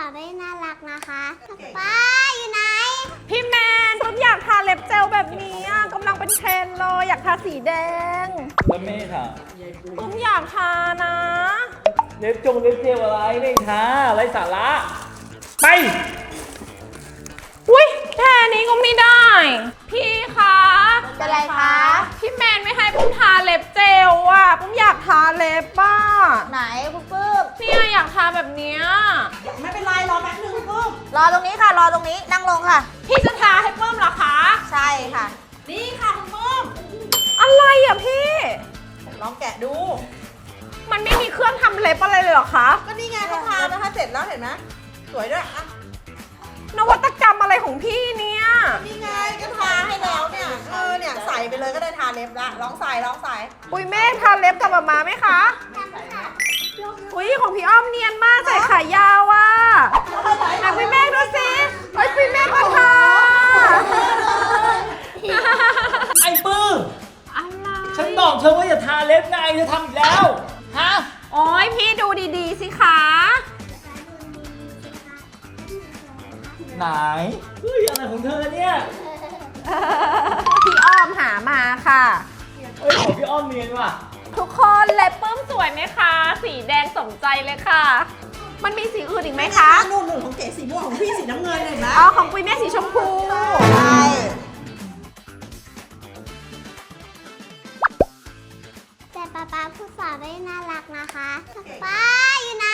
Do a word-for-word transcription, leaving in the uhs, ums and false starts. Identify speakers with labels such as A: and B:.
A: าวได้น่ารักนะคะป้าอยู่ไหน
B: พี่แมนผมอยากทาเล็บเจลแบบนี้กำลังเป็นเทรนเลยอยากทาสีแดง
C: แล้วไม่ทา
B: ผมอยากทานะ
C: เล็บจงเล็บเจลอะไรไม่ทาไรสาระไป
B: อุ้ยแค่นี้ก็ไม่ได้พี่คะ
A: เป็นไรคะ
B: พี่แมนไม่ให้ปุ้มทาเล็บเจลอ่ะปุ้มอยากทาเล็บบ้า
A: ไหนคุณปื้ม
B: เนี่ยอยากทาแบบเนี้ย
D: ไม่เป็นไรรอแป๊บนึงคุณปื้ม
A: รอตรงนี้ค่ะรอตรงนี้นั่งลงค่ะ
B: พี่จะทาให้ปุ้มเหรอคะ
A: ใช่ค่ะ
D: นี่ค่ะคุณปื้ม
B: อะไรอ่ะพี่
D: ลองแกะดู
B: มันไม่มีเครื่องทำเล็บอะไรเลยเหรอคะ
D: ก็นี่ไงเขาทานะคะเสร็จแล้วเห็นไหมสวยด้วยอ่ะ
B: นวัตกรรมอะไรของพี่เนี่ย
D: นี่ไงก็ทาให้แล้วเนี่ยเออเนี่ยใส่ไปเลยก็ได้ทาเล็บละลองใส่ลองใส่
B: อุ้ยแม่ทาเล็บกับมามาไหมคะอุ้ยของพี่อ้อมเนียนมากใส่ขายาวอ่ะไหนพี่แม่ดูสิเฮ้ยพี่แม่ก็ทา
C: ไอ้ปื้อ
B: อะไร
C: ฉันบอกเธอว่าอย่าทาเล็บไงเธอทำอีกแล้วฮะ
B: โอ้ยพี่ดูดีๆสิคะ
C: ไหนเฮ้ยอะไรของเธอเนี่ย
B: พี่อ้อมหามาค่ะ
C: เฮ้ยของพี่อ้อมเนียนว่ะ
B: ทุกคนเล็บปื้มสวยไหมคะสีแดงสมใจเลยค่ะมันมีสีอื่นอีกไหมคะ
D: นุ่นๆของเก๋สีม่วงของพี่สีน้ำเงินเห็นไหม
B: อ๋อของปุ้ยแม่สีชมพู
A: ใช่แต่ป๊าป๊าพูดสาวได้น่ารักนะคะป้าอยู่ไหน